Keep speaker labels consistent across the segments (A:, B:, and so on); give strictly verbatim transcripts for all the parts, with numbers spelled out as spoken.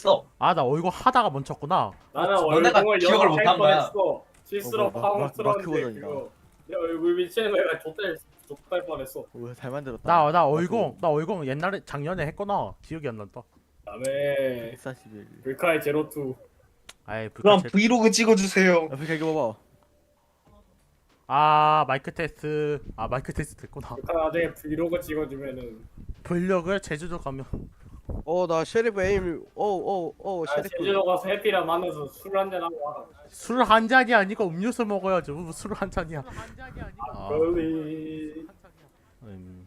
A: 했어.
B: 아 나 어이구 하다가 멈췄구나.
C: 나는
A: 너네가
C: 얼굴을
A: 기억을
C: 영어
A: 못한
C: 할
A: 거야.
C: 뻔했어. 실수로
D: 어, 뭐,
C: 파워
D: 마- 마크
C: 틀었는데
D: 버전이다.
C: 그거 내 얼굴 비치는 거가 좆될 좆될 뻔했어.
D: 오, 잘 만들었다.
B: 나 나
D: 마크
B: 어이구 나 어이구 옛날에 작년에 했구나. 기억이 안 난다.
C: 그다음에
D: 백사십일.
C: 불카의 제로투.
B: 아이
A: 그럼
B: 불카 제...
A: 브이로그 찍어주세요.
D: 아프리카 이거 봐봐.
B: 아 마이크 테스트 아 마이크 테스트 됐구나.
C: 불카 나중에 브이로그 찍어주면은
B: 블럭을 제주도 가면
D: 어, 나 셰리프 에임. 어, 어, 어,
C: 아,
D: 셰리프.
C: 제주도 가서 해피랑 만나서 술 한잔 하고 와.
B: 술 한 잔이 아니고 음료수 먹어야지. 술 한 잔이야. 아,
C: 빨리.
B: 음.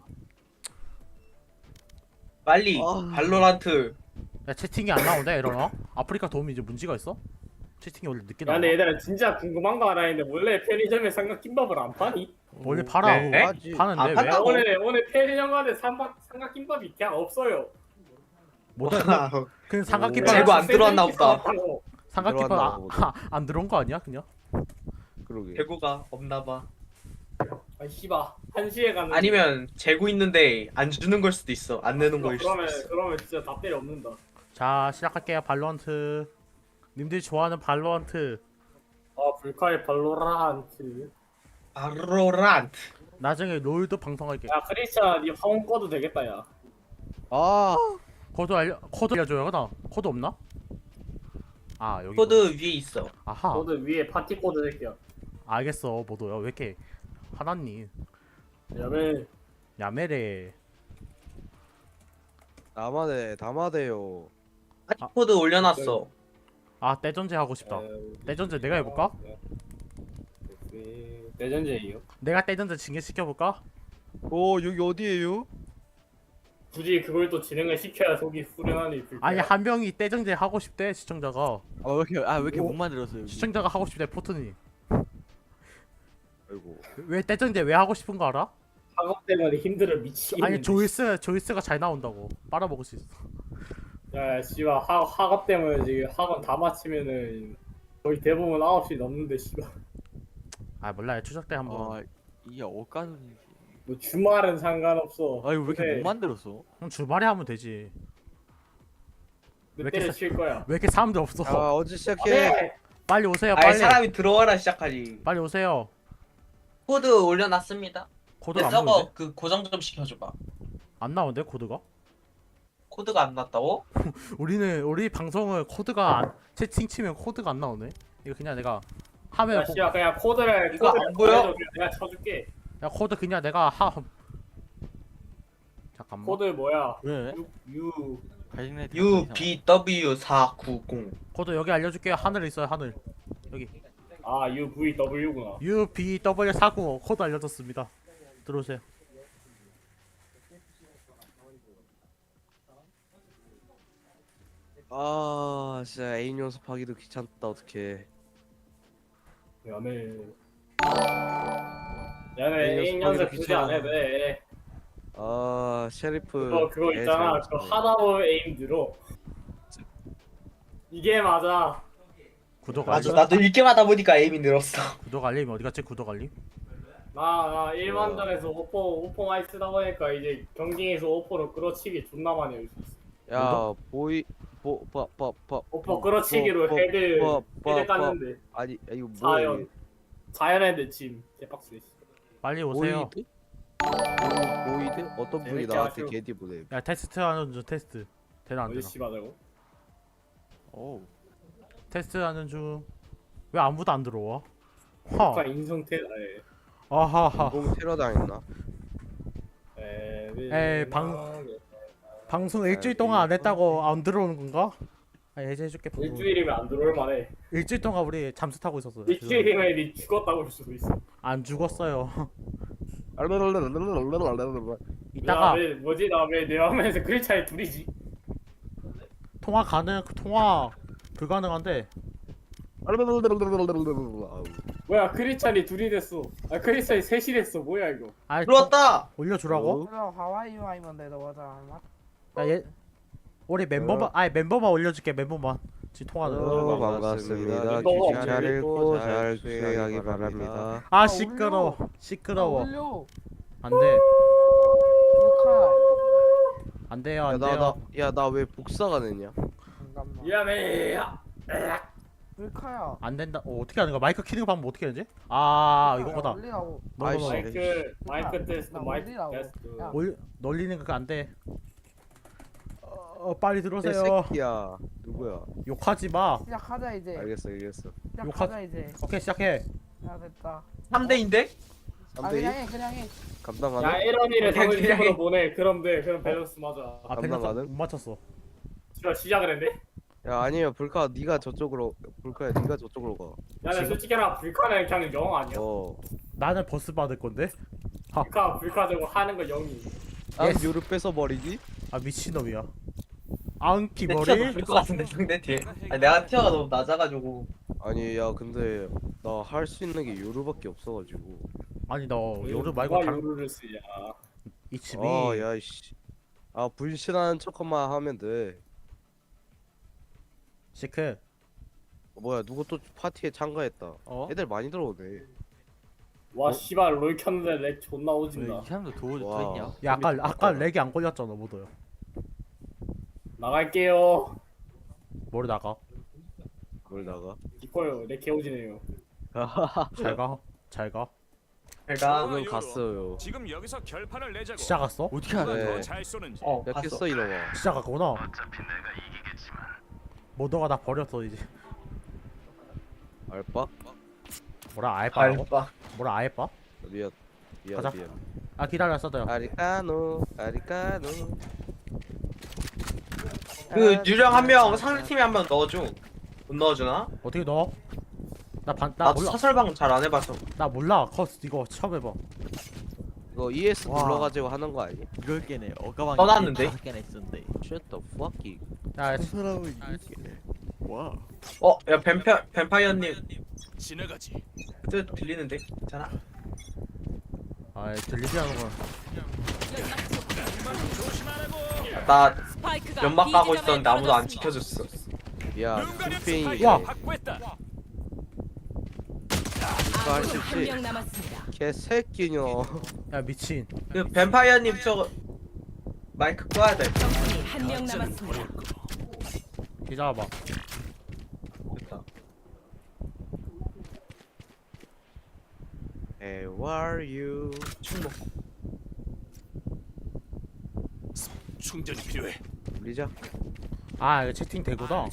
A: 빨리
D: 아.
A: 발로란트.
B: 야 채팅이 안 나오네 이러나? 아프리카 도움이 이제 문제가 있어? 채팅이 원래 늦게
C: 야
B: 나와.
C: 근데 얘들아 진짜 궁금한 거 하나 있는데 원래 편의점에 삼각김밥을 안 파니?
B: 원래 팔아.
A: 네?
D: 하지.
B: 파는데
A: 아,
B: 왜?
A: 판다고?
C: 오늘 오늘 편의점 가는데 삼각 삼각김밥이 그냥 없어요.
B: 못 해. 그냥
D: 오.
B: 삼각김밥
A: 재고 안 들어왔나 보다.
B: 삼각김밥
D: 들어왔나
B: 아,
D: 보다.
B: 아, 안 들어온 거 아니야 그냥?
D: 그러게.
A: 재고가 없나봐.
C: 아 씨발 한 시에 가는.
A: 아니면 재고 있는데 안 주는 걸 수도 있어. 안 내는 거일 수도
C: 그러면
A: 있어.
C: 그러면 진짜 다 때려 없는다.
B: 자 시작할게요. 발로란트. 님들이 좋아하는 발로란트.
C: 아 불카의 발로란트.
A: 발로란트.
B: 나중에 롤도 방송할게.
C: 야 크리스찬 니 화원 꺼도 되겠다 야.
D: 아,
B: 코드 알려 코드 알려줘요 나. 코드 없나? 아 여기.
A: 코드 위에 있어.
B: 아하.
C: 코드 위에 파티 코드 새끼야.
B: 알겠어 모도야. 왜 이렇게 화났니?
C: 야매.
B: 야매래.
D: 남아대, 남아대요.
A: 파티 코드 올려놨어.
B: 아 떼전제 하고 싶다. 떼전제 내가 해볼까?
C: 대전제이요.
B: 내가 떼전제 징계시켜볼까?
D: 오, 여기 어디에요?
C: 굳이 그걸 또 진행을 시켜야 속이 후련하니 불카.
B: 아니 한 명이 떼전제 하고 싶대 시청자가.
D: 아, 왜 이렇게, 아, 왜 이렇게
C: 오.
D: 못 만들었어요? 여기?
B: 시청자가 하고 싶대 포트니.
D: 아이고.
B: 왜 떼전제 왜 하고 싶은 거 알아?
C: 학업 때문에 힘들어 미치겠네.
B: 아니 조이스 조이스가 잘 나온다고 빨아먹을 수 있어.
C: 야 씨발 학 학업 때문에 지금 학원 다 마치면은 거의 대부분 아홉 시 넘는데 씨발.
B: 아 몰라요 추석 때 한번.
D: 아, 이게 어까는지.
C: 뭐 주말은 상관없어.
D: 아니, 왜 이렇게
C: 근데
D: 못 만들었어?
B: 그럼 주말에 하면 되지. 왜
C: 몇
B: 이렇게
C: 대를
B: 사-
C: 칠 거야.
B: 왜 이렇게 사람들 없어?
D: 아, 언제 시작해?
C: 네.
B: 빨리 오세요
A: 아니
B: 빨리.
A: 사람이 들어와라 시작하지.
B: 빨리 오세요.
A: 코드 올려놨습니다.
B: 코드가 안
A: 서버
B: 나오는데?
A: 그 고정 좀 시켜줘봐.
B: 안 나오는데 코드가?
A: 코드가 안 났다고?
B: 우리는 우리 방송을 코드가 안, 채팅 치면 코드가 안 나오네. 이거 그냥 내가 하면
C: 야 씨발 그냥 코드를
A: 이거
C: 코드를
A: 안 보여?
C: 보내줘. 내가 쳐줄게.
B: 야 코드 그냥 내가 하 잠깐만.
C: 코드 뭐야?
D: 왜?
C: 유
D: 가진네
A: 유 비 더블유 사구공.
B: 코드 여기 알려줄게요. 하늘 있어요 하늘. 여기
C: 아 유 브이 더블유구나.
B: 유 비 더블유 사구오 코드 알려줬습니다. 들어오세요.
D: 아, 진짜 애인 연습하기도 귀찮다, 어떡해.
C: 야매.
D: 네,
C: 야매
D: 연습하기도
C: 인 연습 굳이 안 해도 돼.
D: 아, 셰리프.
C: 그거 그거
D: 애
C: 있잖아.
D: 잘
C: 그거
D: 맞추네.
C: 하다 보면 에임 늘어. 이게 맞아.
B: 구독
A: 맞아
B: 알림.
A: 나도 읽기만 하다 보니까 에임이 늘었어.
B: 구독 알림 어디 갔지? 구독 알림?
C: 나, 나 일반전에서 오퍼 오퍼 많이 쓰다 보니까 이제 경기에서 오퍼로 끌어치기 존나 많이 할 수 있어.
D: 야, 보이, 보, 봐, 봐, 봐.
C: 오퍼 끌어치기로 헤드
D: 봐, 봐,
C: 헤드
D: 봐.
C: 깠는데
D: 아니, 야, 이거 뭐야?
C: 자연 자연핸드 침 개빡세.
B: 빨리 오세요.
D: 보이드? 보이드? 어떤 분이
C: 재밌게
D: 나한테
C: 하시오.
D: 게디 보내?
B: 야 테스트 하는 중 테스트. 되나 안
C: 어디
B: 되나?
C: 씨발하고?
D: 오.
B: 테스트 하는 중. 왜 아무도 안 들어와?
C: 아까
B: 하.
C: 인성태 에.
B: 아하하.
D: 공공 테러 당했나?
C: 에.
B: 에이, 방- 방송 일주일 동안 안 했다고 안 들어오는 건가? 아 예제해줄게. 방송.
C: 일주일이면 안 들어올 만해.
B: 일주일 동안 우리 잠수 타고 있었어요.
C: 일주일이면 니 죽었다고 볼 수도 있어.
B: 안 죽었어요. 이따가
C: 야, 왜, 뭐지 나 왜 내 화면에서 크리차이 둘이지?
B: 통화 가능 통화 불가능한데
C: 뭐야 크리차이 둘이 됐어. 아 크리차이 셋이 됐어. 뭐야 이거?
B: 아
A: 들어왔다.
B: 올려주라고?
E: 그럼 하와이 와이면 되다 맞아.
B: 야얘 우리 멤버만 아니 멤버만 올려줄게 멤버만 지금 통화는.
D: 어, 반갑습니다.
C: 너무
D: 귀 잘 읽고 잘 수행하기 바랍니다.
B: 아 시끄러 시끄러워
E: 올려.
B: 안돼
E: 축하.
B: 안돼요
D: 야, 나,
B: 안돼요.
D: 나, 야, 나 왜 복사가 되냐?
E: 잠깐만. 잠깐만.
C: 미안해.
E: 불카야.
B: 안 된다. 어, 어떻게 하는 거야? 마이크 키는 방법 어떻게 하지? 아 이거보다
E: 올리라고.
D: 아이씨.
B: 너너
C: 마이크 마이크 테스트
E: 나
C: 마이크
E: 올리라고.
C: 테스트.
E: 야.
B: 올 놀리는 거 안 돼. 어, 빨리 들어오세요.
D: 새끼야. 누구야?
B: 욕하지 마.
E: 시작하자 이제.
D: 알겠어, 알겠어.
E: 시작하자 이제.
B: 오케이 시작해.
E: 야 됐다.
A: 삼 대인데?
E: 아
D: 삼 대 이?
E: 그냥 해 그냥 해.
D: 감당
C: 야
D: 가능?
C: 에런이를
A: 그냥
C: 정식으로
A: 그냥
C: 보내. 그럼 돼. 그럼 밸런스 맞아.
B: 아
D: 감당
B: 밸런스
D: 가능?
B: 못 맞췄어.
C: 진짜 시작을 했네.
D: 야, 아니면 불카 네가 저쪽으로 불카야 네가 저쪽으로 가.
C: 야, 나 솔직히 나 불카는 그냥 영 아니야.
D: 어.
B: 나는 버스 받을 건데. 아,
C: 불카 불카 저거 하는 거 영이.
D: 아,
B: 예스.
D: 요를 뺏어 버리기?
B: 아 미친놈이야. 앙키
A: 내
B: 머리.
A: 티어가 높을 것 같은데 상대 뒤에. 아니, 내가 티어가 너무 낮아가지고.
D: 아니, 야, 근데 나 할 수 있는 게 요루밖에 없어가지고.
B: 아니 너 요르 말고
C: 누가
B: 다른
C: 요루를 쓰냐.
B: 이츠미.
D: 아, 야, 씨. 아, 불신하는 척만 하면 돼.
B: 시크.
D: 어, 뭐야, 누구 또 파티에 참가했다.
B: 어?
D: 애들 많이 들어오네.
C: 와 씨발 롤 켰는데 렉 존나 오진다.
F: 사람도 도,
D: 와.
F: 더 있냐?
B: 야 아까 아까 렉이 안 걸렸잖아 모더요.
C: 나갈게요.
B: 머리 나가.
D: 뭘 나가?
C: 이거요. 렉 개오지네요.
B: 잘 가. 잘 가.
A: 내가
D: 저는 갔어요.
G: 지금 여기서 결판을 내자고.
B: 진짜 갔어?
F: 어떻게 알아?
D: 네.
G: 더잘 쏘는지.
A: 어
D: 야,
A: 봤어.
D: 깼어, 이놈아.
B: 진짜 갔구나. 모더가 나 버렸어 이제.
D: 알바?
B: 뭐라 아예빠라고?
A: 알바.
B: 뭐라 아예빠?
D: 미안. 미안,
B: 가자.
D: 미안.
B: 아 기다려 써도요.
D: 아리까노, 아리까노.
A: 그 유령 한 명 상대 팀에 한 명 넣어줘. 못 넣어주나?
B: 어떻게 넣어? 나 반 나
A: 나도
B: 몰라.
A: 사설방 잘 안 해봐서.
B: 나 몰라. 커스 이거 처음 해봐.
D: 이거 이에스
B: 와.
D: 눌러가지고 하는 거 아니?
F: 이걸 깨네. 어가방
A: 떠났는데?
F: 다섯 개나 있었는데.
D: Shut the fuck.
B: 야
F: 사람은 이걸 깨네. 와.
A: 어, 야 뱀파 뱀파이어님
G: 지나가지.
A: 뜻 들리는데? 괜찮아?
B: 아 들리지 않은 건.
A: 나
H: 스파이크가
A: 연막 가고
H: B 지점에
A: 있었는데 아무도 안
H: 떨어졌습니다.
A: 지켜줬어.
D: 야,
G: 눈 가려
D: 캠페인이
G: 스파이크
B: 야.
G: 확보했다.
D: 이거 할 수
H: 아군이
D: 있지?
H: 한명 남았습니다.
D: 개새끼녀.
B: 야 미친.
A: 그 뱀파이어님 저거 마이크 꺼야 돼.
H: 적군이 한 명 남았습니다.
B: 기다려봐.
A: 됐다.
D: How are you?
A: 충목.
G: 충전이 필요해.
D: 리자.
B: 아 이거 채팅 되구나.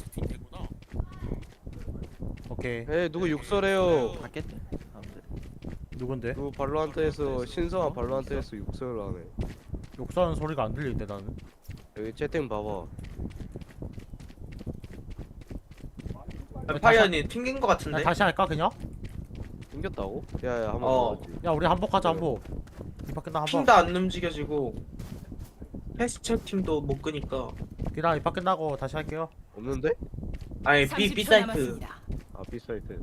B: 오케이.
D: 에 누구 욕설해요?
F: 받겠네. 사람들.
B: 누군데?
D: 누구 발로한테에서 신성한 발로한테에서 욕설을 하네.
B: 욕하는 소리가 안 들리는데 나는.
D: 여기 채팅 봐봐.
A: 뱀파이어님 튕긴 거
B: 야,
A: 같은데?
B: 다시 할까 그냥?
D: 생겼다고? 야야 한번
A: 어.
D: 봐야지.
B: 야 우리 한복하자 한복. 이 밖에 나 한복.
A: 팀도 안 움직여지고 패스트 팀도 못 끄니까.
B: 기다려 이 밖에 나고 다시 할게요.
D: 없는데?
A: 아니 B
H: 삼십
A: B
H: 초
A: 사이트.
H: 남았습니다.
D: 아 비사이트.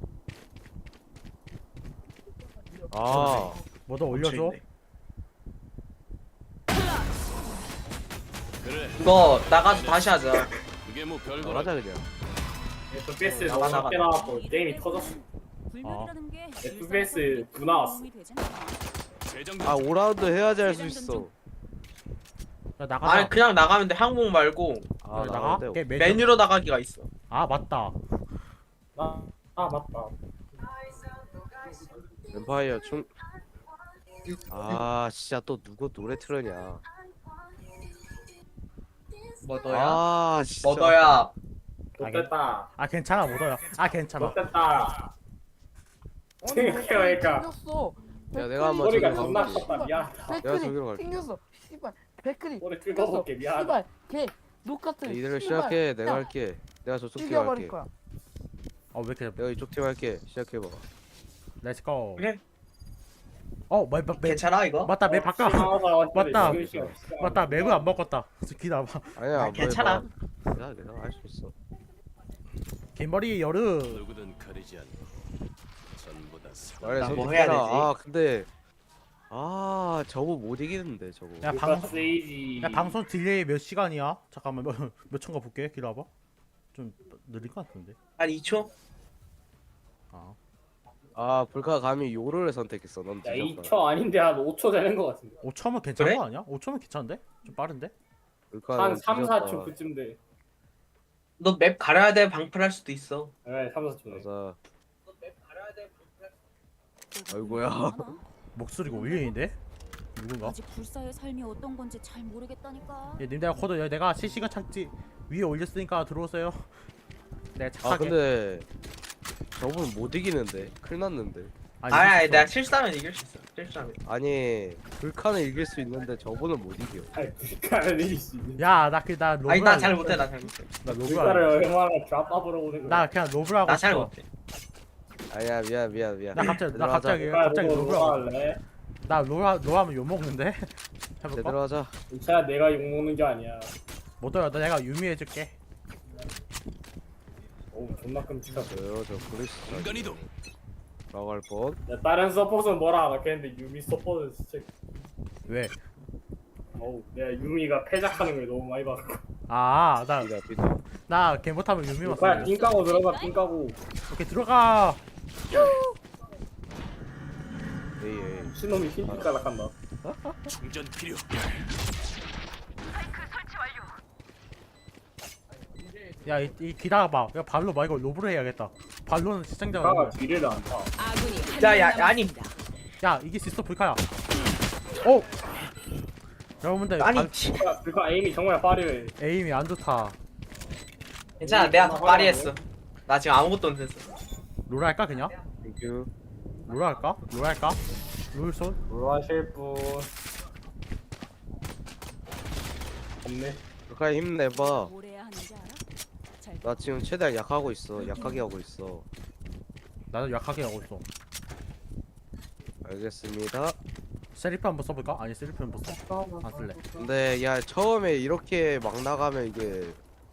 D: 아
B: 뭐더 올려줘.
A: 멈춰있네.
G: 그래.
A: 이거 나가서 다시 하자.
G: 이게 뭐 별거.
D: 나가자 그냥.
C: 에프피에스
A: 나가,
C: 너무
A: 나가.
C: 적게 나왔고 게임이 터졌어.
H: 불명이라는 게
C: 에프피에스 구 나왔어.
G: 재정비.
D: 아 오 라운드 해야지 할 수 있어.
B: 야 나가자.
A: 아니 그냥 나가면 돼. 항목 말고
D: 아
B: 그래, 나가.
D: 나가는데.
B: 오케이, 메뉴.
A: 메뉴로 나가기가 있어.
B: 아 맞다.
C: 아, 아 맞다.
D: 뱀파이어 충. 아 진짜 또 누구 노래 틀었냐.
A: 뭐 너야?
D: 아 진짜.
A: 뭐 너야?
C: 못됐다.
B: 아 괜찮아 못어요. 아 괜찮아.
C: 못됐다.
E: 아니
C: 생각해보니까.
E: 튕겼어.
D: 야, 내가 한번
C: 머리가
D: 저기
C: 존나
D: 가볼게.
C: 컸다. 미안하다.
D: 내가 저기로
E: 백클이
D: 갈게.
E: 튕겼어. 씨발. 백클이
C: 머리
E: 튕겼어.
C: 긁어볼게. 미안하다.
E: 씨발. 걔 똑같은.
D: 이대로
E: 씨발.
D: 시작해. 내가
E: 야,
D: 할게. 내가 저쪽 팀
E: 죽여버릴
D: 할게.
E: 거야.
B: 어왜 이렇게
D: 내가 이쪽 팀 할게. 시작해봐.
B: 렛츠 고.
A: 오케이.
B: 어 매, 매, 매,
A: 괜찮아 이거?
B: 맞다 매 바꿔. 맞다.
C: 맞다.
B: 맞다 맵을 안 바꿨다. 기다려봐.
D: 아니야.
A: 아,
D: 뭐
A: 괜찮아.
D: 해봐. 내가 내가 할 수 있어.
B: 긴머리 여르.
G: 누구든 가리지 않고 전부 다 사.
D: 말해
A: 나뭐
D: 선택해라.
A: 해야 되지?
D: 아 근데 아 저거 못 이기는데 저거.
B: 야
C: 방
B: 방송.
C: 세이지.
B: 야 방송 딜레이 몇 시간이야? 잠깐만 몇, 몇 초인가 볼게. 기다려봐. 좀 느릴 것 같은데.
A: 한 이 초?
B: 아.
D: 아 불카 감히 요를 선택했어. 넌
C: 야,
D: 뒤졌다.
C: 이 초 아닌데 한 오 초 되는 거 같은데.
B: 오 초면 괜찮은
A: 그래?
B: 거 아니야? 오 초면 괜찮은데? 좀 빠른데?
D: 불카
C: 한
D: 넌
C: 삼, 사 초
D: 뒤졌다.
C: 그쯤 돼.
A: 너 맵 가려야 돼 방풀할 수도 있어.
C: 네, 삼사 좀.
D: 맞아.
H: 너가
D: 아이고야.
H: 많아?
B: 목소리가 울리는데? 누군가?
H: 아직 불사의 삶이 어떤 건지 잘 모르겠다니까.
B: 예, 님들 코드 여- 내가 실시간 착지 위에 올렸으니까 들어오세요. 내가
D: 아
B: 착하게.
D: 근데 저분 못 이기는데. 큰일 났는데.
B: 아니,
A: 아니 아니
B: 이겼어.
A: 내가 실수하면 이길 수 있어. 실수하면.
D: 아니 불칸은 이길 수 있는데 저분은 못 이겨.
C: 아니 불가를 이길 수 있는.
B: 야, 나 그 나 로브.
A: 아니 나 잘 못해 나 잘 못해.
B: 나 로브.
C: 불가를 얼마나 드랍업으로 오는 거야.
B: 나 그냥 로브라고.
A: 나 잘
B: 싶어.
A: 못해.
D: 아니야 미안 미안 미안.
B: 나 갑자기 나
D: 제대로
B: 갑자기
D: 하자.
C: 불가
B: 갑자기
C: 보고
B: 로브라고.
C: 누가 할래?
B: 나 로라 로하면 욕 먹는데. 해볼까?
D: 제대로 하자.
C: 괜찮아 내가 욕 먹는 게 아니야.
B: 못해요. 나 내가 유미 해줄게.
C: 오 존나 끔찍하다.
D: 저요 저 브리스
G: 인간이도
D: 라고 할 뻔.
C: 야, 다른 서폿은 뭐라 안 하겠는데 유미 서폿은 진짜
B: 왜?
C: 어우 내가 유미가 패작하는 걸 너무 많이 봤고.
B: 아, 나
D: 비다 비다.
B: 나 걔 못하면 유미
C: 그냥
B: 왔어.
C: 삥 까고 들어가 삥 까고.
B: 오케이 들어가.
D: 에이 에이.
C: 신놈이 흰빛 깔락한다.
G: 충전 필요.
B: 야, 이, 이 기다려봐. 야, 발로 말고 로브로 해야겠다. 발로는 시청자가.
C: 가가
B: 너무-
C: 뒤를 안 타.
H: 아군이 한
A: 야,
H: 명
A: 야, 아니.
H: 남았습니다.
B: 야, 이길 수 있어 불카야. 오. 여러분들
A: 아니
B: 발-
A: 치-
C: 그러니까 그러니까 에임이 정말 화려해.
B: 에임이 안 좋다.
A: 괜찮아 내가 더 파리했어. 나 지금 아무것도 안 했어.
B: 롤 할까 그냥?
D: 땡큐.
B: 롤 할까? 롤 할까? 롤손?
C: 뭐 하실 분 없네.
D: 불칸 힘내봐.
H: 뭘 해야 하는지 알아? 잘
D: 나 지금 최대한 약하고 있어. 약하게 하고 있어.
B: 나도 약하게 하고 있어.
D: 알겠습니다.
B: 세리프 한번 써볼까? 아니 세리프 한번 써. 안 쓸래.
D: 근데 야 처음에 이렇게 막 나가면 이게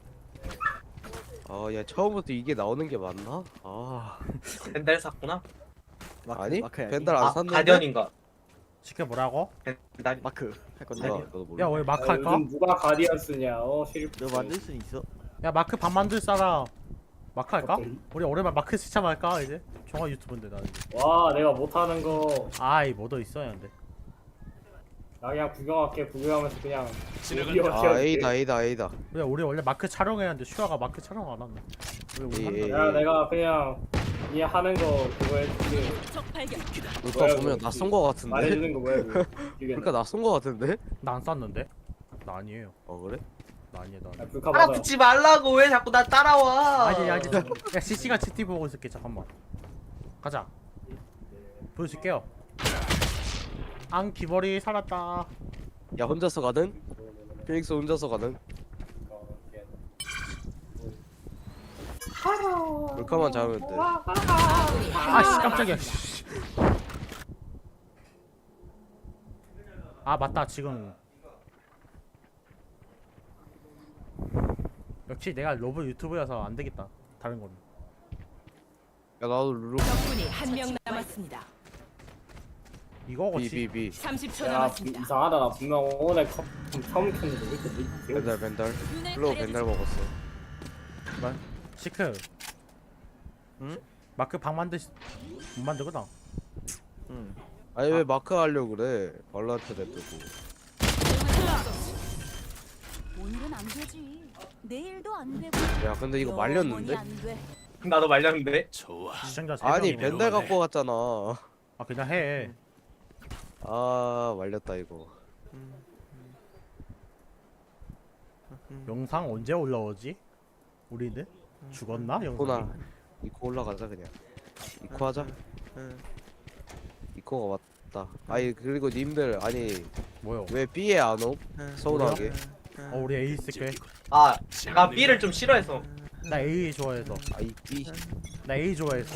D: 아야 처음부터 이게 나오는 게 맞나? 아
A: 벤달 샀구나.
F: 마크,
D: 아니
F: 마크 해야지.
D: 벤달 안
A: 아
D: 샀는데.
A: 가디언인가?
B: 시켜 뭐라고?
A: 벤달.
F: 마크 할 건데.
D: 몰라 나도 몰라.
B: 야, 우리 마크
C: 아,
B: 할까?
C: 요즘 누가 가디언 쓰냐? 어 시리프.
F: 너 만들 수 있어?
B: 야, 마크 밥 만들 사람. 마크 할까?
C: 오케이.
B: 우리 오랜만 마크 시참 할까 이제? 종합 유튜브인데 나 이제.
C: 와 내가 못하는 거.
B: 아이 뭐더 있어야 하는데.
C: 나 그냥 구경할게. 구경하면서 그냥.
G: 지나간다.
C: 어떻게
D: 아
C: 할게.
D: A다 A다 A다.
B: 우리 우리 원래 마크 촬영해야 하는데 슈아가 마크 촬영 안 왔네. 우리 우리
D: 예,
B: 한다.
D: 예.
C: 야 내가 그냥 이 하는 거 그거 해줄게.
H: 적 발견.
D: 그러니까
C: 뭐야,
D: 보면
C: 이거.
D: 낯선 거 같은데.
C: 말해주는 거 뭐야 이거.
D: 그러니까 낯선 거 같은데?
B: 나 안 쌌는데? 나 아니에요.
D: 어 그래?
B: 나 아니에요. 나
C: 아
B: 아니에요.
C: 불카 맞아.
A: 따라붙지 말라고 왜 자꾸 나 따라와?
B: 아니 아니 야 실시간 채팅 보고 있을게 잠깐만. 가자. 보여줄게요. 앙 귀머리 살았다.
D: 야 혼자서 가는? 피닉스 혼자서 가는? 물카만 잡으면 돼.
B: 아씨 깜짝이야. 씨. 아 맞다 지금. 역시 내가 로브 유튜브여서 안 되겠다. 다른 거는.
D: 야 나도 룰루
H: 적군이 한 명 남았습니다.
B: 이거겠지.
D: 비비비
H: 삼십 초
C: 야
H: 남았습니다.
C: 이상하다. 나 분명 오늘 컵 처음 켰는데 왜 이렇게 늦게
D: 벤달 벤달
H: 눈을
D: 플로우
H: 가려주지.
D: 벤달 먹었어.
B: 시크.
F: 응?
B: 마크 방 만들 못 만들구나.
F: 응.
D: 아니 왜 마크 하려고 그래? 발로한테 냅두고.
H: 오늘은 안 되지. 내일도 안 되고.
D: 야 근데 이거
H: 영원히
D: 말렸는데?
H: 안 돼.
A: 나도 말렸는데.
G: 좋아.
B: 시청자 세
D: 아니
B: 명이네.
D: 벤달 갖고 갔잖아.
B: 아 그냥 해.
D: 아 말렸다 이거.
B: 영상 언제 올라오지? 우리는 죽었나 영상?
D: 이코나 이코 올라가자 그냥. 이코 하자.
F: 응.
D: 이코가 맞다. 아니 그리고 님들 아니
B: 뭐요?
D: 왜 B에 안 오?
F: 응.
D: 서운하게.
B: 어 우리 A 쓸게.
A: 아 제가 B를 좀 싫어해서.
B: 나 A 좋아해서.
D: 아이 B.
B: 나 A 좋아해서.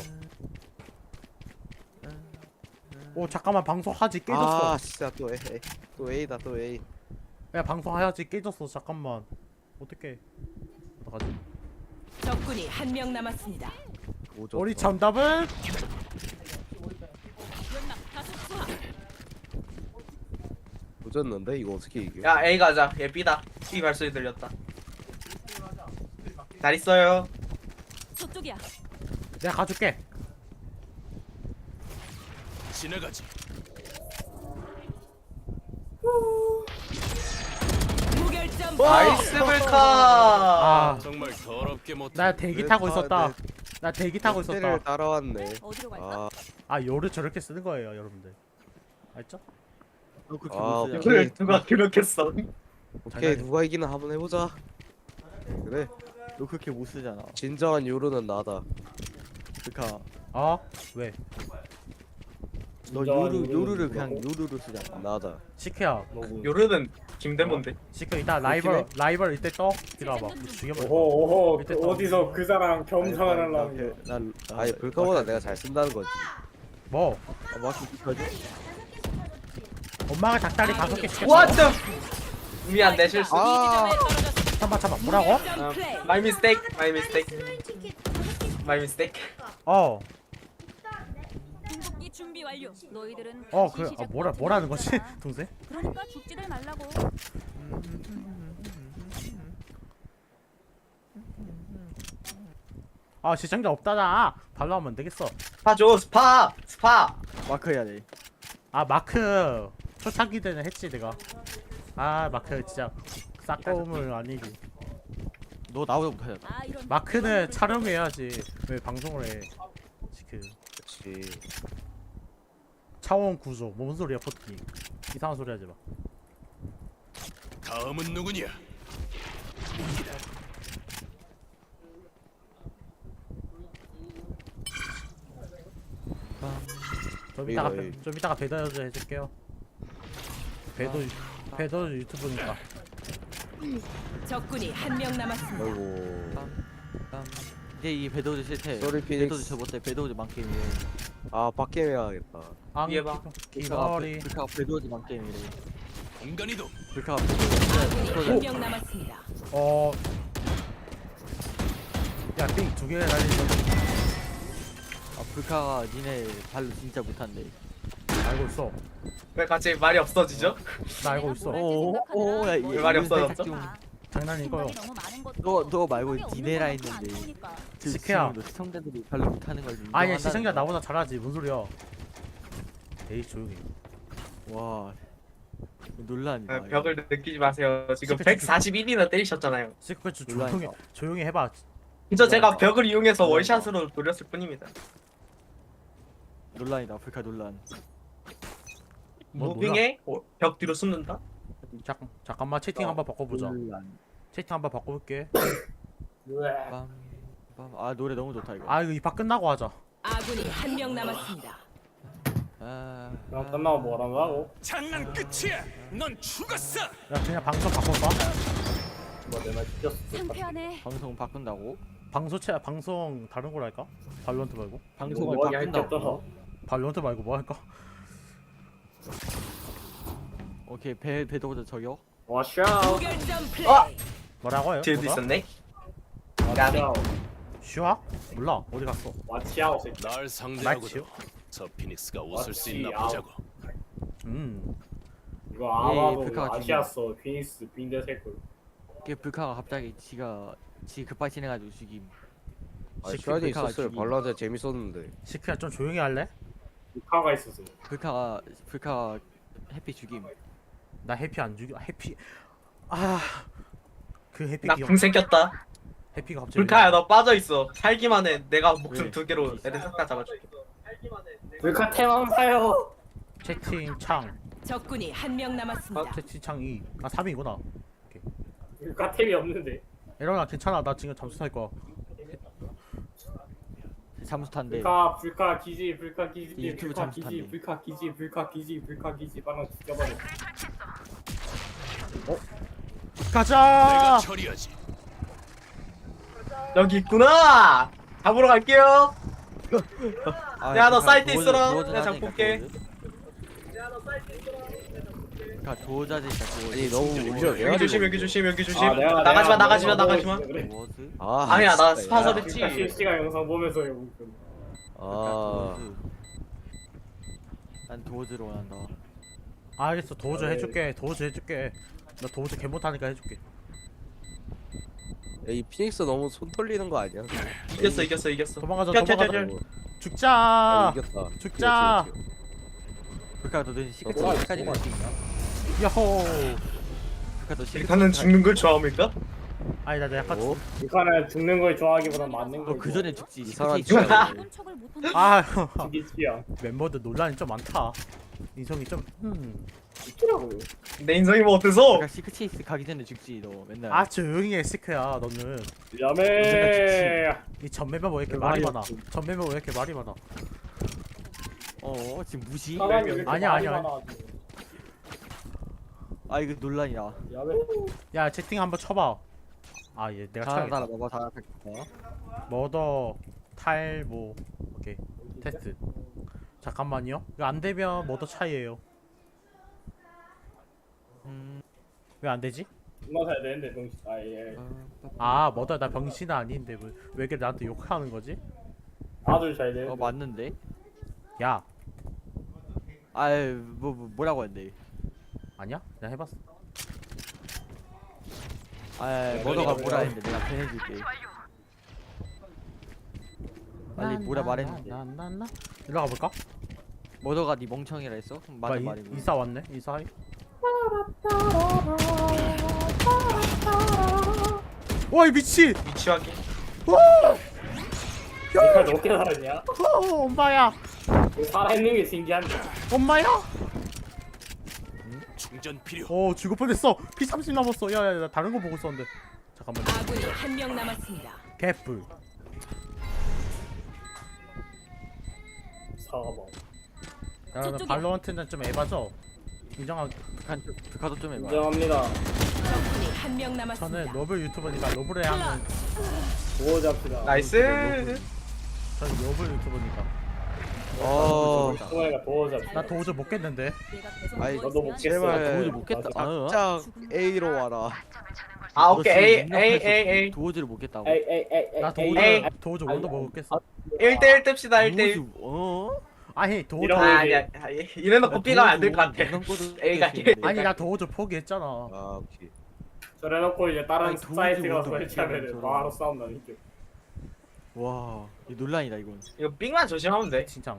B: 오 잠깐만 방송하지 깨졌어.
D: 아 진짜 또 A 또 A다 또 A.
B: 야 방송하야지 깨졌어 잠깐만. 어떡해. 어떡하지?
H: 적군이 한 명 남았습니다.
D: 오졌다.
B: 우리 정답은
H: 연막 다섯 차.
D: 오졌는데 이거 어떻게 이겨?
A: 야 A 가자. 얘 B다. B 발소리 들렸다. 잘 있어요.
H: 저쪽이야.
B: 내가 가줄게.
G: 지나가지.
H: 무결점.
A: 나이스 불카.
B: 아
G: 정말 더럽게. 그렇게 못.
B: 나 대기
D: 왜
B: 타고
D: 다-
B: 있었다.
D: 내-
B: 나 대기 타고 있었다.
D: 를 따라왔네.
H: 어디로 갈까?
D: 아,
B: 아 요를 저렇게 쓰는 거예요 여러분들. 알죠?
F: 너 그렇게
D: 아,
F: 못 쓰잖아.
D: 오케이.
A: 그걸 누가 그렇게 써?
D: 오케이
B: 장난이야.
D: 누가 이기나 한번 해보자. 그래
F: 너 그렇게 못 쓰잖아.
D: 진정한 요루는 나다.
F: 그러니까
B: 어? 왜?
F: 너
C: 진짜
F: 요루
C: 요루는
F: 요루를 그냥
C: 누구라고?
F: 요루로 쓰잖아.
D: 나다.
B: 시크야.
C: 너무
A: 요르는 김대문데.
B: 시크 이따 라이벌 라이벌 이때 떠. 기다려봐. 죽여버려.
C: 오호 오호
B: 밑에
C: 그
B: 또.
C: 어디서 그 사람 겸상을 하려는 거야.
F: 난
D: 아니 불카보다 내가 잘 쓴다는 거지.
B: 뭐?
F: 아, 마키 비켜줘.
B: 엄마가 닭다리 다섯 개 시켰어.
A: What the? 미안 내 실수.
D: 아,
B: 잠깐 잠깐 뭐라고?
A: 아, my mistake, my mistake, my mistake.
B: 어.
H: 궁극기 준비 완료. 너희들은
B: 어,
H: 다시
B: 그 아,
H: 시작하면
B: 뭐라 뭐라는 거지?
H: 되잖아.
B: 동생?
H: 그러니까 죽지들 말라고.
B: 아, 시청자 없다나. 발로 하면 안 되겠어.
A: 스파 줘, 스파, 스파.
F: 마크 해야 돼.
B: 아, 마크 초창기 때는 했지 내가. 아, 마크 진짜 싹고음을 아니지.
F: 너 나보다 못하잖아.
H: 아, 이런
B: 마크는 촬영해야지. 왜 방송을 해? 그
D: 그렇지.
B: 차원 구조. 뭔 소리야, 포트니? 이상한 소리 하지 마.
G: 다음은 누구냐?
B: 좀 이따가
D: 이거,
B: 배- 좀 이따가 배달도 해줄게요. 배도 배도 유튜브니까.
I: 적군이 한 명 남았습니다.
D: 아이고.
F: 빰. 이제 이 배도즈 싫대.
D: 쏘리
F: 배도즈
D: 피닉스.
F: 저 못해. 배도즈 만게임이래.
D: 아 밖에 해야겠다.
B: 앙
A: 위에 봐.
B: 기거리.
F: 불카가 배도즈 만게임이래.
G: 공간이동.
F: 불카가
I: 아군이
F: 배도즈.
I: 한 명 남았습니다.
B: 어. 야, 삥 두 개 날리는
F: 아 불카가 니네 발로 진짜 못한대.
B: 알고 있어.
A: 왜 갑자기 말이 없어지죠?
B: 나 알고 있어.
F: 오오야
A: 왜 말이 없어졌죠?
B: 장난이 이거요.
F: 너 너 말고 니네라 했는데.
B: 시크야.
F: 너 시청자들이 발로 못하는 걸 인정한다는
B: 아니야, 시청자
F: 거야.
B: 나보다 잘하지. 뭔 소리야? 에이, 조용히.
F: 와 논란이다.
A: 아,
F: 이거.
A: 벽을 느끼지 마세요. 지금
B: 시크,
A: 백사십일이나 때리셨잖아요.
B: 시크 좀
F: 논란이다.
B: 조용히 조용히 해봐.
A: 진짜 제가 벽을 이용해서 월샷으로 노렸을 뿐입니다.
F: 논란이다. 불카 논란.
B: 뭐,
A: 무빙에 어, 벽 뒤로 숨는다?
B: 잠깐 잠깐만 채팅 한번 바꿔보자.
F: 논란.
B: 채팅 한번 바꿔볼게.
C: 으아.
F: 빰. 빰. 아 노래 너무 좋다 이거.
B: 아, 이거 이파 끝나고 하자.
I: 아군이 한 명 남았습니다.
F: 아.
C: 그럼 끝나고 뭐라고?
G: 장난 끝이야. 넌 죽었어.
B: 야, 그냥 방송 바꿔봐.
C: 뭐내말 시켰어.
H: 상쾌하네.
F: 방송 바꾼다고?
B: 방송 채 방송 다른 걸 할까? 발론트 말고.
F: 방송을
C: 뭐 하게
F: 바꾼다고?
C: 할겠어.
B: 발론트 말고 뭐 할까?
F: 오케이 배 배도보다 저격.
C: 와샤.
I: 무결점 플레이.
A: 아!
B: 뭐라고 해요?
A: 뒤에도
B: 뭐가?
A: 있었네?
C: 와샤.
B: 슈아? 몰라. 어디 갔어?
C: 와치아오 새끼.
G: 날
B: 마치요?
G: 상대하고도 저 피닉스가 웃을 수 있나
C: 마치
G: 보자고.
B: 음.
C: 이거 아마도
F: 불카가
C: 아시았어. 피닉스 빈대 새끼.
F: 이게 불카가 갑자기 지가 지 급발 진행가지고 죽임.
D: 아
B: 시크
D: 시간이
F: 불카가
D: 있었어요.
F: 죽임.
D: 발라드 재밌었는데.
B: 시크야 좀 조용히 할래?
C: 불카가 있었어.
F: 불카가 불카가 해피 죽임.
B: 나 해피 안 죽여. 해피. 아. 그 해피
A: 나
B: 기억.
A: 궁 생겼다.
B: 해피가 갑자기.
A: 불카야 너 빠져있어. 살기만 해. 내가 목숨
F: 왜?
A: 두 개로 애들 싹 다 잡아줄게.
C: 불카 태만 파요.
B: 채팅 창.
I: 적군이 한 명 남았습니다.
B: 채팅 창 이. 아 삼 이구나.
C: 불카 템이 없는데.
B: 이러나 괜찮아. 나 지금 잠수 탈 거야.
F: 잠수 탄대.
C: 불카 불카 기지 불카 기지
F: 유튜브
C: 불카
F: 잠수
C: 기지
F: 탔네.
C: 불카 기지 불카 기지 불카 기지 바로 죽여버려.
G: 내가
B: 가자.
G: 처리하지.
A: 여기 있구나! 잡으러 갈게요!
F: 아,
A: 야, 너
F: 불카
A: 사이트
F: 도어즈-
A: 있어라.
F: 도어즈
A: 내가
F: 하자니까,
A: 잠 볼게.
F: 도어즈. 불카 도자지니까
D: 아니
F: 도어즈.
D: 너무 울려.
A: 여기 조심, 여기 조심, 여기 조심.
C: 아, 내가-
A: 나가지마,
C: 내가
A: 나가지마,
C: 너가
A: 나가지마.
C: 보고 있어, 그래.
F: 도어즈.
D: 아
A: 아니야, 나
D: 진짜,
A: 스파서
D: 야.
A: 됐지.
C: 불카 실시간 영상 보면서 이거 웃겨.
D: 아
F: 난 도어즈를 원한다.
B: 알겠어. 도우즈
C: 아, 네.
B: 해줄게. 도우즈 해줄게. 나 도우즈 개 못하니까 해줄게.
D: 야, 이 피닉스 너무 손 털리는 거 아니야?
A: 이겼어, 이겼어, 이겼어.
B: 도망가자.
A: 튀어, 튀어,
B: 도망가자.
A: 튀어, 튀어.
D: 아,
B: 죽자.
D: 이겼다.
B: 죽자.
D: 튀어, 튀어, 튀어.
F: 불카 너는 시크릿
C: 어,
F: 까지 갈수 있냐?
B: 야호.
F: 불카 너 시크릿
A: 일단은 죽는 걸 좋아합니까?
B: 아니 나 약간
D: 어?
C: 북한은 죽는 걸 좋아하기보단 맞는 걸
F: 너그 전에 죽지.
D: 이 사람
F: 시크릿
D: 진짜
H: 기본 척을 못한다.
B: 아
C: 죽이 취향
B: 멤버들 논란이 좀 많다. 인성이 좀 음.
C: 있더라고요.
A: 내 인성이 뭐 어때서?
F: 그러니까 시크릿 가기 전에 죽지 너 맨날.
B: 아 조용히 해 시크야 너는.
C: 야매.
B: 이 전매면 왜 이렇게
F: 왜
B: 말이
F: 말이
B: 많아?
F: 없지?
B: 전매면 왜 이렇게 말이 많아?
F: 어 지금 무시?
C: 사람이 왜 이렇게
B: 아니야,
C: 말이
B: 아니야.
C: 많아가지고.
F: 아 이거 논란이야.
C: 야매.
B: 야 채팅 한번 쳐봐. 아 얘 내가
F: 잘한다
B: 쳐야겠다.
F: 봐봐 잘한다.
B: 머더 탈모 오케이 테스트. 잠깐만요. 이거 안 되면 머더 차이에요.
F: 음.
B: 왜 안 되지?
C: 존나 잘 되는데 병신. 아 예.
B: 아 머더 나 병신 아닌데 뭐, 왜 이렇게 나한테 욕하는 거지?
C: 아주 잘 되는데.
F: 어 맞는데?
B: 야
F: 아유 뭐, 뭐 뭐라고 했는데?
B: 아니야? 내가 해봤어.
F: 아 뭐더가 뭐라 했는데 내가 변해줄게. 빨리 뭐라 말했는데.
B: 나나나 일로 가볼까?
F: 뭐더가 네 멍청이라 했어? 그럼
B: 봐,
F: 맞은
B: 이-
F: 말이고.
B: 이사 왔네. 이사. 와 이 미친.
A: 위치하기.
C: 니가 어떻게 살았냐?
B: 어, 엄마야.
C: 살아있는 게 신기한데.
B: 엄마야.
G: 충전 필요.
B: 어 죽을 뻔했어. 피 삼십 남았어. 야야 나 다른 거 보고 있었는데. 잠깐만.
I: 아군이 한 명 남았습니다.
B: 개뿔.
C: 사과봐.
B: 야, 나
H: 저쪽이야.
B: 발로한테는 좀 에바죠. 인정하.
F: 북한 좀- 북한도 좀 해봐.
C: 인정합니다.
I: 적군이 한 명
B: 저는
I: 남았습니다.
B: 러블 유튜버니까 러블에 하면.
C: 구워 잡시다.
A: 나이스.
B: 저는 러블 유튜버니까.
D: 어
C: 동아이가 도워 잡시다.
B: 나 도저히 못 겠는데.
H: 내가 계속
D: 아이,
H: 누워
C: 너도 못
H: 있어야
C: 깼어.
D: 제발
F: 도저히 못 겠다. 어?
D: 짝 A로 와라.
A: 아 오케이 A A A A
F: 도저히 못 겠다고.
C: 에이 에이 에이 에이.
B: 나
C: 에이,
B: 도저
C: 에이.
B: 도저 원도 먹었겠어.
A: 일 대 일 뜹시다 일 대 일.
F: 도저히- 어?
B: 아니 도저.
C: 이런
A: 아 아니야. 아, 이래놓고 B가 안 될 것 같아. A가
B: 아니 나 도저 포기했잖아.
D: 아 오케이.
C: 저래놓고 이제 다른
F: 아니, 도저히
C: 사이트가
F: 못하고
C: 설치하면
F: 저런.
C: 바로 싸움 나니까.
F: 와, 이 논란이다 이건.
A: 이거 B만 조심하면 돼.
B: 진짜.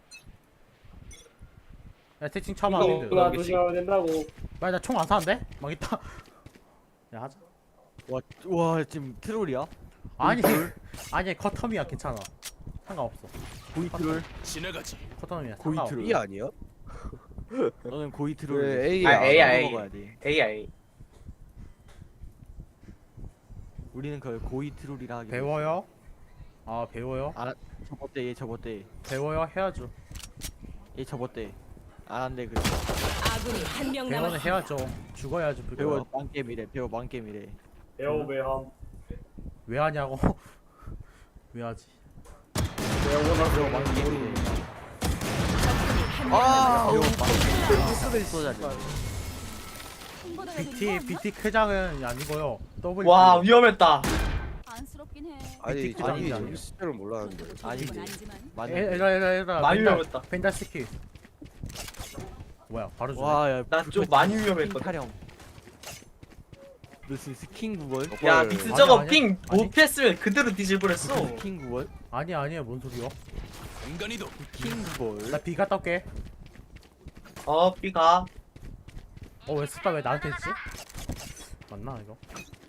B: 야 채팅 쳐봐.
C: 이거
B: 님들.
C: 누가 조심하면 된다고.
B: 빨리 나 총 안 사는데? 망했다. 야 하자.
F: 와, 와 지금 트롤이야?
B: 아니 아니 커텀이야 괜찮아. 상관없어.
F: 고이 트롤?
G: 지나가지.
B: 커텀이야.
F: 고이
B: 상관없어.
F: 트롤.
D: B 아니야?
F: 너는 고이 트롤.
D: 왜 A야?
A: 아, A야, A.
F: 먹어야 돼.
A: A야 A.
F: 우리는 그걸 고이 트롤이라 하기.
B: 배워요? 아 배워요?
F: 안 접었대 얘 접었대.
B: 배워요 해야죠.
F: 얘 접었대. 안 한대 그래.
I: 아군이 한 명
B: 배워는
I: 남았습니다.
B: 해야죠. 죽어야죠.
F: 배워
B: 배워.
F: 망게임이래. 배워 망게임이래.
C: 배우배함.
B: 왜 하냐고? 왜 하지?
C: 배우나
F: 배워 망게임이래.
I: 적군이 한 명
D: 아
F: 배워
I: 남았습니다.
F: 망게임이래. 쏘자리.
H: 손보다
B: 비티 비티 크장은 아니고요. 더블.
A: 와 위험했다.
H: 안쓰럽긴 해.
D: 아니
B: 빅
D: 저기
B: 빅
D: 저기 숫자를 몰랐는데.
F: 아니지.
H: 그건 아니지만.
F: 맞네.
B: 에라 에라 에라.
A: 많이 위험했다.
B: 펜달 스킬. 뭐야 바로 주네.
F: 와, 야.
A: 나 좀
F: 불꽃
A: 많이
F: 스킨
A: 위험했거든.
F: 타령. 너 지금 스킨 구걸?
A: 야
D: 헐.
A: 빅스
B: 아니,
A: 저거
B: 아니,
A: 핑
B: 아니.
A: 못 피했으면 그대로 뒤질 뻔했어.
F: 스킨 구걸?
B: 아니 아니야 뭔 소리야?
G: 인간이도
F: 스킨 구걸?
B: 나 비가 떴게.
A: 어 B가.
B: 어왜 스타 왜 나한테 했지? 맞나 이거?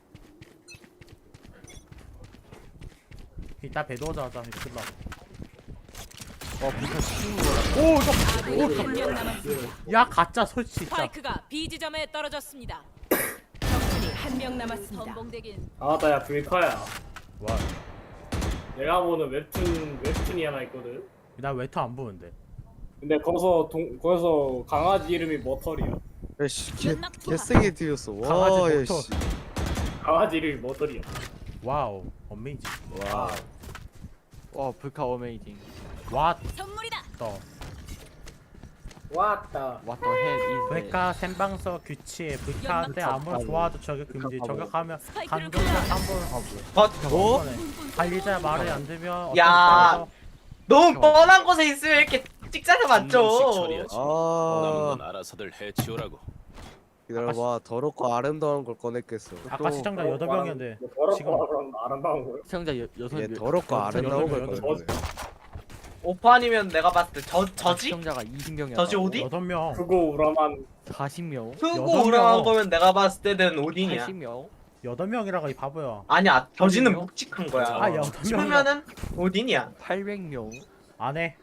B: 이따 배도하자 하자 이거 끝나.
F: 어, 북한 스킨 구걸.
B: 오 이거
I: 아군이 한 명 남았습니다.
B: 야 가짜 설치 진짜.
I: 스파이크가 B 지점에 떨어졌습니다. 적군이 한 명 남았습니다.
H: 전봉대긴
C: 아나 야 불카야.
B: 와,
C: 내가 보는 웹툰 웹툰이 하나 있거든.
B: 나 웨터 안 보는데.
C: 근데 거기서 동 거기서 강아지 이름이 머털이야.
D: 야씨 개
H: 연락 좋아.
D: 개세게 들렸어.
B: 강아지
D: 와
B: 모터.
D: 야씨.
C: 강아지 이름이 머털이야.
B: 와우, 어메이징.
D: 와.
F: 와, 북한 어메이징.
B: 왓
H: 선물이다.
B: 더.
C: 왔다.
F: What the hell is that?
B: 백화 생방서 규칙 불타한테 아무런 좋아도 저격 금지. 저격하면 간격을 한 번. 어
A: 뭐?
B: 어? 관리자 말이 안 되면 어떤
A: 야.
B: 상황에서
A: 너무 뻔한 곳에 있으면 이렇게 찍자는
G: 식
A: 맞죠.
G: 처리하지.
D: 아
G: 남은 건 알아서들 해치우라고.
D: 기다려봐. 더럽고 아름다운 걸 꺼냈겠어.
B: 아까 시청자 여덟 명이었는데 지금
C: 더럽고 그럼 아름다운 거야.
F: 시청자 여, 여섯
D: 얘
F: 명.
D: 더럽고
B: 여덟
D: 아름다운 걸
B: 명,
D: 꺼낸
C: 여덟
D: 거야.
A: 오판이면 내가 봤을 때 저 저지?
F: 시청자가 이십 명이야.
A: 저지 어디?
B: 여덟 명.
C: 그거 우라만
F: 사십 명.
A: 흑고
B: 여덟
A: 우랑한
B: 명.
A: 거면 내가 봤을 때는 오딘이야.
F: 팔십 명.
B: 여덟 명이라고 이 바보야.
A: 아니야 저지는
F: 명?
A: 묵직한 거야.
B: 아, 여덟 명.
A: 싶으면은 오딘이야.
F: 팔백 명.
B: 안 해.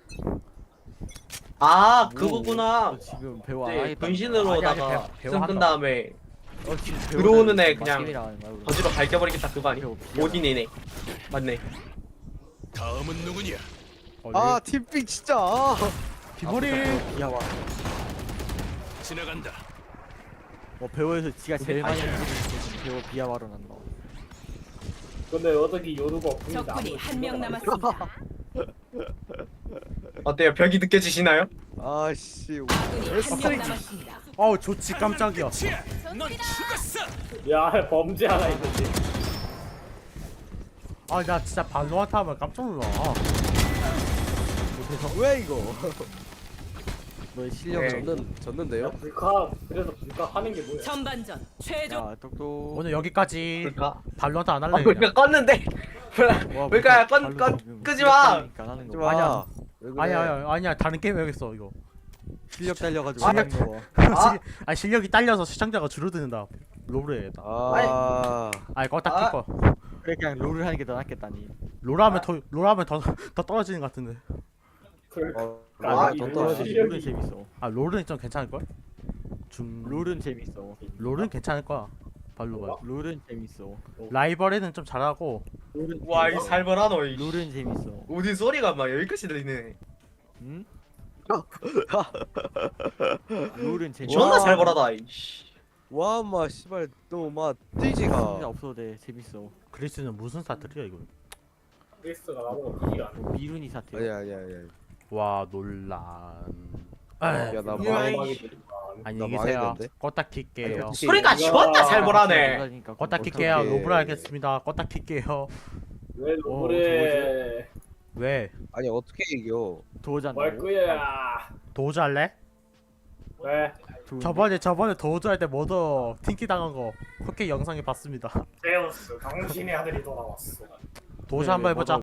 A: 아
F: 뭐,
A: 그거구나.
F: 너 지금 배우 안
A: 이제
F: 하겠다.
A: 분신으로다가
B: 아니, 아니, 배우
A: 승 끈
B: 한다.
A: 다음에
F: 어, 지금
A: 들어오는 애
F: 배우는
A: 그냥
F: 맛게임이라 하는 거야, 우리.
A: 저지로 갈겨버리겠다 그거 아니?
F: 배우 비하라.
A: 오딘이네. 맞네.
G: 다음은 누구냐?
D: 아 팀핑 진짜. 아.
B: 기머리.
F: 비하와.
G: 지나간다.
F: 뭐 배우에서 지가 제일 많이 하는 배우 비하와로 난다.
C: 근데 어떻게 요루가 없습니다.
I: 적군이 한 명 남았습니다.
A: 어때요? 벽이 느껴지시나요?
D: 아씨.
I: 적군이 한 명 남았습니다.
B: 어우 좋지 깜짝이야.
G: 넌 죽었어.
C: 야 범죄 하나 있는데.
B: 아 나 진짜 발로한테 하면 깜짝 놀라. 아,
D: 왜 이거?
F: 너의 실력
A: 네.
F: 은
D: 졌는 졌는데요?
C: 불카 그래서 불카 하는 게 뭐야?
I: 전반전 최종
F: 야 똑똑.
B: 오늘 여기까지.
A: 불까?
B: 발로한테 안
A: 아
B: 할래.
A: 불까 껐는데.
F: 와,
A: 불까야
F: 발로
A: 껐 껐
F: 지금
A: 끄지 마.
F: 실력 하는
D: 하지
F: 거.
D: 마.
F: 아니야.
D: 왜 그래?
B: 아니야 아니야 아니야 다른 게임 해야겠어 이거.
F: 실력 달려가지고
A: 아,
F: 하는 거.
A: 아.
B: 아 실력이 딸려서 시청자가 줄어드는다. 롤을 해야겠다.
D: 아.
B: 아이 껐다
A: 아.
B: 킬 거.
F: 그래 그냥 롤을 하는 게 더 낫겠다니.
B: 롤하면 더 롤하면 더 더 떨어지는 것 같은데.
C: 불카.
D: 어,
A: 아,
C: 이
D: 더
F: 떨어지.
C: 실력이-
F: 롤은 재밌어.
B: 아 롤은 좀 괜찮을 걸? 중
F: 롤은 재밌어.
B: 롤은 괜찮을 거야. 발로가.
F: 롤은 재밌어.
B: 라이벌에는 좀 잘하고.
F: 롤은
A: 와이
F: 재밌어.
A: 살벌하노 이.
F: 롤은 재밌어.
A: 오딘 소리가 막 여기까지 들리네.
F: 응? 롤은 재밌어.
A: 존나
D: 와.
A: 살벌하다 이씨.
D: 와, 마 씨발 너막
F: 진짜
D: 뛰지가.
F: 없어도 돼. 재밌어.
B: 그리스는 무슨 사투리야 이거?
C: 크리스가 나보고 이기가 안 해.
F: 뭐 미룬이 사태.
D: 아니야 아니야 아니야.
B: 와 논란.
D: 야, 나
B: 에이,
D: 망-
C: 마지막에
B: 안녕히
D: 나
B: 계세요.
D: 망했는데?
B: 껐다 킬게요.
D: 아니,
A: 소리가
C: 이거-
A: 존나 살벌하네.
F: 그러니까
B: 껐다
F: 어떡해.
B: 킬게요.
D: 어떡해.
B: 로브라 하겠습니다. 껐다 킬게요.
C: 왜
F: 어,
C: 노래
B: 왜?
D: 아니 어떻게 이겨?
F: 도전.
C: 말 거야?
B: 도저 할래?
C: 왜?
B: 저번에 저번에 도저 할 때 모두 팅키 당한 거 그렇게 영상에 봤습니다.
C: 제우스 당신의 아들이 돌아왔어.
B: 도저
F: 네,
B: 한번
F: 네,
B: 해보자.